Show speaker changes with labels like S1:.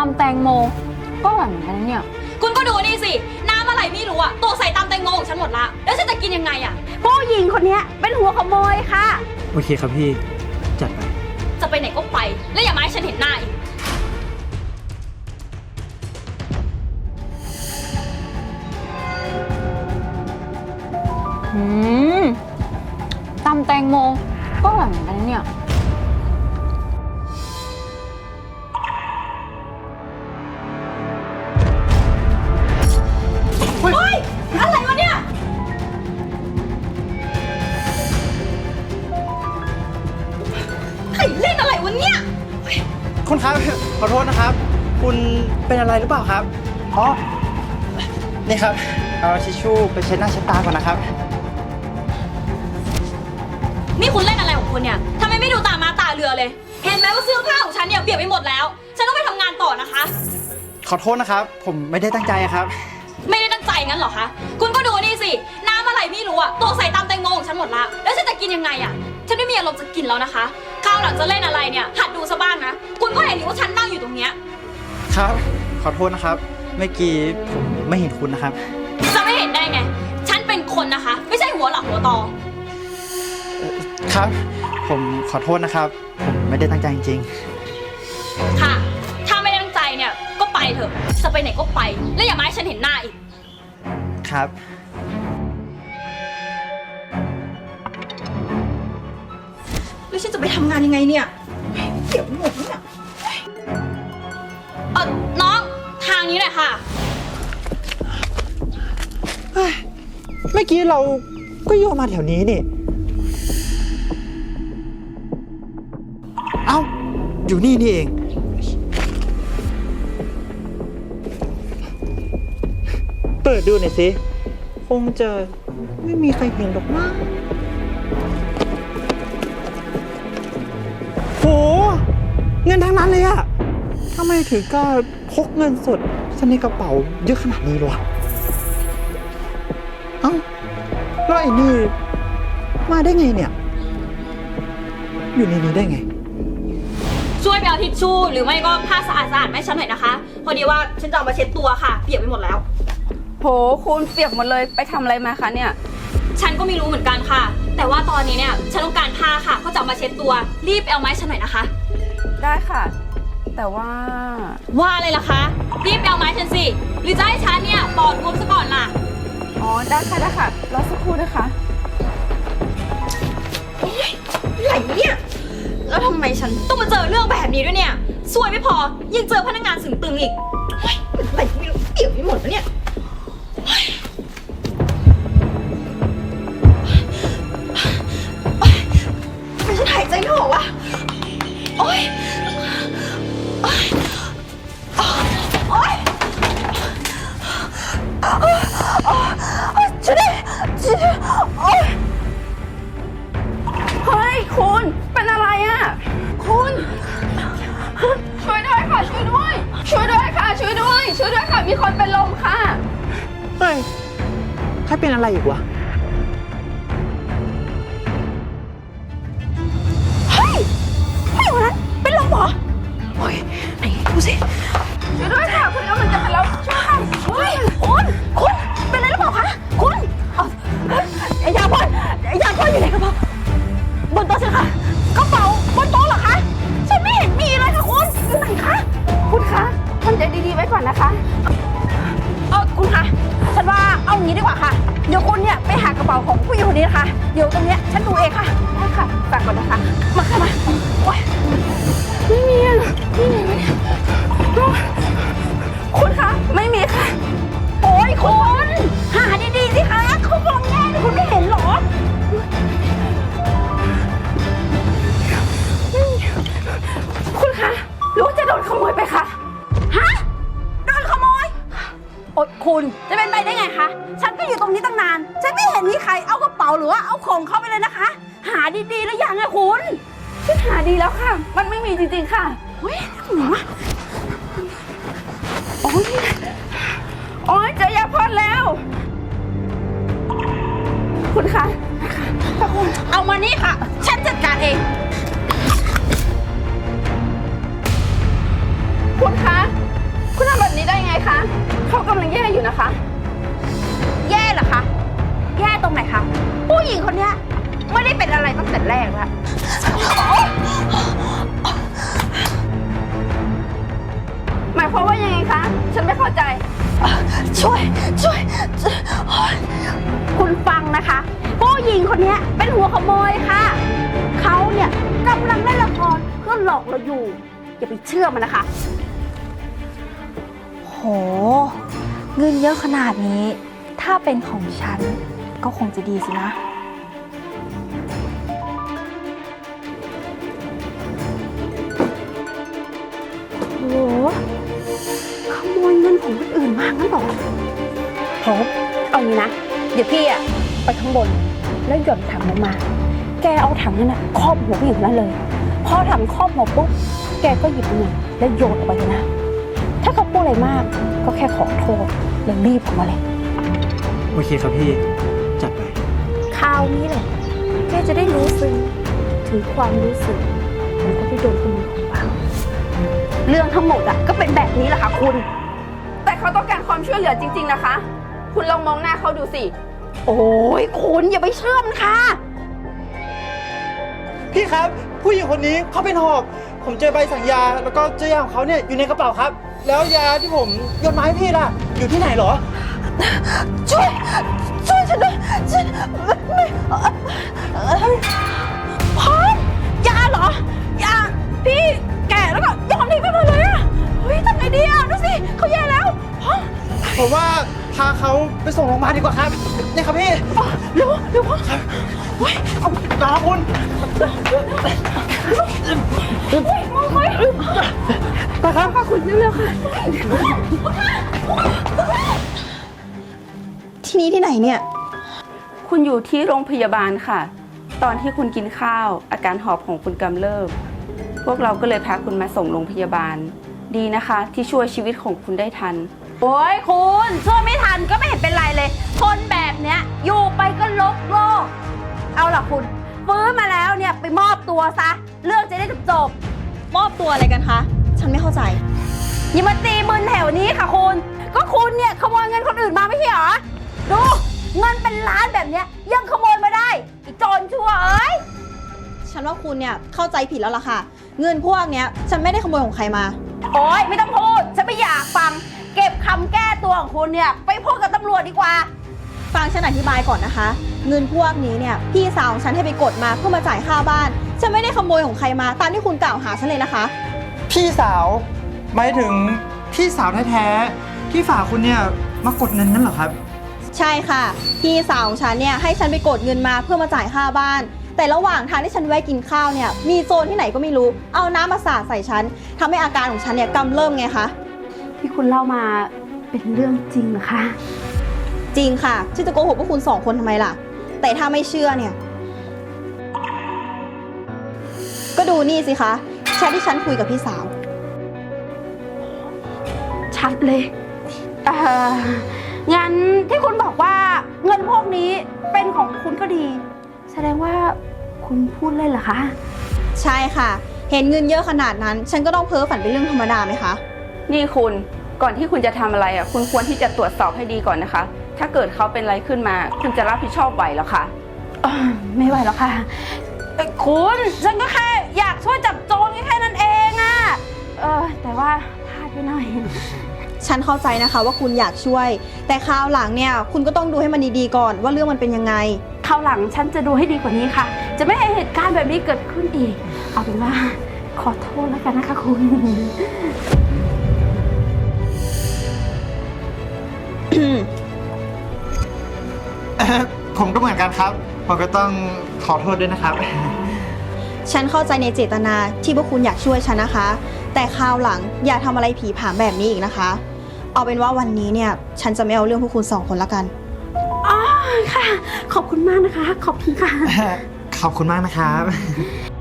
S1: ำแตงโมก็อร่อยเหมือนกันนะเนี่ย
S2: คุณก็ดูนี่สิน้ำอะไรไม่รู้อะตกใส่ตำแตงโมของฉันหมดละแล้วฉันจะกินยังไงอะ
S1: ผู้หญิงคนนี้เป็นหัวขโมยค่ะ
S3: โอเคครับพี่จัดไป
S2: จะไปไหนก็ไปแล้วอย่ามาให้ฉันเห็นหน้าอีก
S1: ตำแตงโมก็อร่อยเหมือนกันนะเนี่ย
S2: เฮ้ยอะไรวะเนี่ยใครเล่นอะไรวะเนี่ย
S3: คุณครับขอโทษนะครับคุณเป็นอะไรหรือเปล่าครับอ๋อนี่ครับเอาทิชชู่ไปเช็ดหน้าเช็ดตาก่อนนะครับ
S2: นี่คุณเล่นอะไรของคุณเนี่ยทำไมไม่ดูตามาตาเรือเลยเห็นไหมว่าเสื้อผ้าของฉันเนี่ยเปียกไปหมดแล้วฉันต้องไปทำงานต่อนะคะ
S3: ขอโทษนะครับผมไม่ได้ตั้งใจครับ
S2: ไม่ได้ตั้งใจงั้นเหรอคะคุณก็ดูนี่สิน้ำอะไรไม่รู้อะตกใส่ตำแตงโมของฉันหมดละแล้วฉันจะกินยังไงอะฉันไม่มีอารมณ์จะกินแล้วนะคะคราวหลังจะเล่นอะไรเนี่ยหัดดูซะบ้างนะคุณก็เห็นอยู่ว่าฉันนั่งอยู่ตรงเนี้ย
S3: ครับขอโทษนะครับเมื่อกี้ผมไม่เห็นคุณนะครับ
S2: จะไม่เห็นได้ไงฉันเป็นคนนะคะไม่ใช่หัวหลักหัวตอ
S3: ครับผมขอโทษนะครับผมไม่ได้ตั้งใจจริงๆ
S2: ค่ะถ้าไม่ตั้งใจเนี่ยก็ไปเถอะจะไปไหนก็ไปแล้วอย่ามาให้ฉันเห็นหน้าอีก
S3: ครับ
S2: แล้วฉันจะไปทำงานยังไงเนี่ยเดี๋ยวหมดเนี่ยน้องทางนี้แหละค่ะ
S3: เมื่อกี้เราก็โยนมาแถวนี้นี่เอ้าอยู่นี่นี่เองเปิดดูหน่อยสิคงจะไม่มีใครเห็นหรอกนะโหเงินทั้งนั้นเลยอะทำไมถึงก็พกเงินสดในกระเป๋าเยอะขนาดนี้วะเอ้าแล้วไอ้นี่มาได้ไงเนี่ยอยู่ในนี้ได้ไง
S2: ช่วยไปเอาทิชชู่หรือไม่ก็ผ้าสะอาดๆให้ฉันหน่อยนะคะพอดีว่าฉันจะเอามาเช็ดตัวค่ะเปียกไปหมดแล้ว
S1: โหคุณเปียกหมดเลยไปทำอะไรมาคะเนี่ย
S2: ฉันก็ไม่รู้เหมือนกันค่ะแต่ว่าตอนนี้เนี่ยฉันต้องการผ้าค่ะเขาจะเอามาเช็ดตัวรีบไปเอาไม้ฉันหน่อยนะคะ
S1: ได้ค่ะแต่ว่า
S2: อะไรล่ะคะรีบไปเอาไม้ฉันสิหรือจะให้ฉันเนี่ยปอดบวมซะก่อนล่ะ
S1: อ๋อได้ค่ะได้ค่ะรอสักครู่นะคะ
S2: โอ๊ยอะไรเนี่ยแล้วทำไมฉันต้องมาเจอเรื่องแบบนี้ด้วยเนี่ยซวยไม่พอยังเจอพนักงานสึงตึงอีกอะไรไม่รู้เปียกไปหมดแล้วเนี่ยทำไมฉันหายใจไม่ออกวะโอ๊ยช่วยด้วย
S1: เฮ้ยคุณเป็นอะไรอ่ะคุณช่วยด้วยค่ะช่วยด้วยช่วยด้วยค่ะช่วยด้วยช่วยด้วยค่ะมีคนเป็นลมค่ะ
S3: เฮ้ยใครเป็นอะไรอีกวะ
S1: เฮ้ยผู้หญิงคนนั้นเป็นลมเหรอโอ้ยไหนดูสิช่วยด้วยค่ะคุณกำลังจะเป็นลมช่วยค่ะเฮ้ยคุณเป็นอะไรหรือเปล่าคะคุณยาพ่นอยู่ไหนกระเป๋าบนโต๊ะสิคะกระเป๋าบนโต๊ะเหรอคะฉันไม่เห็นมีเลยค่ะคุณอยู่ไหนคะคุณคะทำใจดีๆไว้ก่อนนะคะคุณคะฉันว่าเอางี้ดีกว่าค่ะเดี๋ยวคุณเนี่ยไปหากระเป๋าของผู้หญิงคนนี้นะคะเดี๋ยวตรงเนี้ยฉันดูเองค่ะได้ค่ะฝากก่อนนะคะมาค่ะมาโอ๊ยไม่มีนี่ไงวะเนี่ยคุณคะไม่มีค่ะโอ๊ยคุณหาดีๆสิคะเขามองแง่คุณไม่เห็นหรอคุณคะหรือว่าจะโดนขโมยไปคะฮะโดนขโมยโอ๊ยคุณจะเป็นไปได้ไงคะฉันก็อยู่ตรงนี้ตั้งนานฉันไม่เห็นมีใครเอากระเป๋าหรือว่าเอาของเข้าไปเลยนะคะหาดีๆแล้วยังไงคุณฉันหาดีแล้วค่ะมันไม่มีจริงๆค่ะเฮ้ยหนูอะโอ๊ยเจอยาพ่นแล้วคุณคะคุณเอามานี่ค่ะฉันจัดการเองคุณคะนะคะ แย่เหรอคะ แย่ตรงไหนคะ ผู้หญิงคนเนี้ยไม่ได้เป็นอะไรตั้งแต่แรกแล้วหมายความว่ายังไงคะ ฉันไม่เข้าใจ ช่วย คุณฟังนะคะ ผู้หญิงคนเนี้ยเป็นหัวขโมยค่ะ เขาเนี่ยกำลังเล่นละครเพื่อหลอกเราอยู่ อย่าไปเชื่อมันนะคะ
S4: โห เงินเยอะขนาดนี้ ถ้าเป็นของฉันก็คงจะดีสินะ
S1: โห ขโมยเงินของคนอื่นมางั้นเหรอโหเอางี้นะ เดี๋ยวพี่อะไปข้างบน แล้วหย่อนถังลงมา แกเอาถังนั้นอะครอบหัวผู้หญิงคนนั้นเลย พอถังครอบหัวปุ๊บ แกก็หยิบเงินแล้วโยนออกไปเลยนะ ถ้าเขาพูดอะไรมาก ก็แค่ขอโทษแล้วรีบออกมาเลย
S3: โอเคครับพี่ จัดไป
S1: คราวนี้แหละ แกจะได้รู้ซึ้งถึงความรู้สึกของคนที่โดนขโมยของเราเรื่องทั้งหมดอะก็เป็นแบบนี้แหละค่ะคุณ แต่เขาต้องการความช่วยเหลือจริงๆนะคะ คุณลองมองหน้าเขาดูสิ โอ้ยคุณอย่าไปเชื่อมันค่ะ
S3: พี่ครับ ผู้หญิงคนนี้เขาเป็นหอบ ผมเจอใบสั่งยา แล้วก็เจอยาของเขาเนี่ยอยู่ในกระเป๋าครับ แล้วยาที่ผมโยนมาให้พี่ล่ะ อยู่ที่ไหนเหรอ
S1: ช่วยฉันด้วยฉันไม่พร้อมยาเหรอยาพี่แก่แล้วก็โยนทิ้งไปหมดเลยอะเฮ้ยทำไงดีอะดูสิเขาแย่แล้วพร้อม
S3: ผมว่าพาเขาไปส่งโรงพยาบาลดีกว่าครับ นี่ครับพี่
S1: เร็วพ่อเฮ้ย
S3: เอาลาคุณไปครับ
S1: คุณเร็วๆค่ะ
S4: ที่นี่ที่ไหนเนี่ย
S5: คุณอยู่ที่โรงพยาบาลค่ะ ตอนที่คุณกินข้าวอาการหอบของคุณกำเริบพวกเราก็เลยพาคุณมาส่งโรงพยาบาล ดีนะคะที่ช่วยชีวิตของคุณได้ทัน
S1: โอ้ยคุณช่วยไม่ทันก็ไม่เห็นเป็นไรเลย คนแบบเนี้ยอยู่ไปก็ลกโลก เอาล่ะคุณฟื้นมาแล้วเนี่ยไปมอบตัวซะ เรื่องจะได้จบ
S2: มอบตัวอะไรกันคะ ฉันไม่เข้าใจ
S1: ๆอย่ามาตีมึนแถวนี้ค่ะคุณ ก็คุณเนี่ยขโมยเงินคนอื่นมาไม่ใช่เหรอ ดูเงินเป็นล้านแบบเนี้ยยังขโมยมาได้ไอ้โจรชั่วเอ้ย
S2: ฉันว่าคุณเนี่ยเข้าใจผิดแล้วล่ะค่ะ เงินพวกเนี้ยฉันไม่ได้ขโมยของใครมา
S1: โอ๊ยไม่ต้องพูด ฉันไม่อยากฟัง เก็บคำแก้ตัวของคุณเนี่ยไปพูดกับตำรวจดีกว่า
S2: ฟังฉันอธิบายก่อนนะคะ เงินพวกนี้เนี่ยพี่สาวของฉันให้ไปกดมาเพื่อมาจ่ายค่าบ้าน ฉันไม่ได้ขโมยของใครมาตามที่คุณกล่าวหาฉันเลยนะคะ
S3: พี่สาวหมายถึงพี่สาวแท้ๆที่ฝากคุณเนี่ยมากดเงินนั่นเหรอครับ
S2: ใช่ค่ะ พี่สาวของฉันเนี่ยให้ฉันไปกดเงินมาเพื่อมาจ่ายค่าบ้าน แต่ระหว่างทางที่ฉันแวะกินข้าวเนี่ยมีโจรที่ไหนก็ไม่รู้เอาน้ำมาสาดใส่ฉันทำให้อาการของฉันเนี่ยกำเริบไงคะ
S1: ที่คุณเล่ามาเป็นเรื่องจริงเหรอคะ
S2: จริงค่ะฉันจะโกหกพวกคุณสองคนทำไมล่ะ แต่ถ้าไม่เชื่อเนี่ยก็ดูนี่สิคะแชทที่ฉันคุยกับพี่สาว
S1: ชัดเลยงั้นที่คุณบอกว่าเงินพวกนี้เป็นของคุณก็ดี แสดงว่าคุณพูดเล่นเหรอคะ
S2: ใช่ค่ะ เห็นเงินเยอะขนาดนั้น ฉันก็ต้องเพ้อฝันเป็นเรื่องธรรมดาไหมคะ
S5: นี่คุณก่อนที่คุณจะทำอะไรอ่ะคุณควรที่จะตรวจสอบให้ดีก่อนนะคะ ถ้าเกิดเขาเป็นอะไรขึ้นมา คุณจะรับผิดชอบไหวเหรอคะ
S1: ไม่ไหวแล้วค่ะคุณฉันก็แค่อยากช่วยจับโจรแค่นั้นเองอะแต่ว่าพลาดไปหน่อย
S2: ฉันเข้าใจนะคะว่าคุณอยากช่วย แต่คราวหลังเนี่ยคุณก็ต้องดูให้มันดีๆก่อนว่าเรื่องมันเป็นยังไง
S1: คราวหลังฉันจะดูให้ดีกว่านี้ค่ะ จะไม่ให้เหตุการณ์แบบนี้เกิดขึ้นอีก เอาเป็นว่าขอโทษแล้วกันนะคะคุณ
S3: ผมก็เหมือนกันครับ ผมก็ต้องขอโทษด้วยนะครับ
S2: ฉันเข้าใจในเจตนาที่พวกคุณอยากช่วยฉันนะคะ แต่คราวหลังอย่าทำอะไรผีผามแบบนี้อีกนะคะ เอาเป็นว่าวันนี้เนี่ยฉันจะไม่เอาเรื่องพวกคุณสองคนละกัน
S1: อ๋อค่ะ ขอบคุณมากนะคะ ขอบคุณค่ะ
S3: ขอบคุณมากนะครับ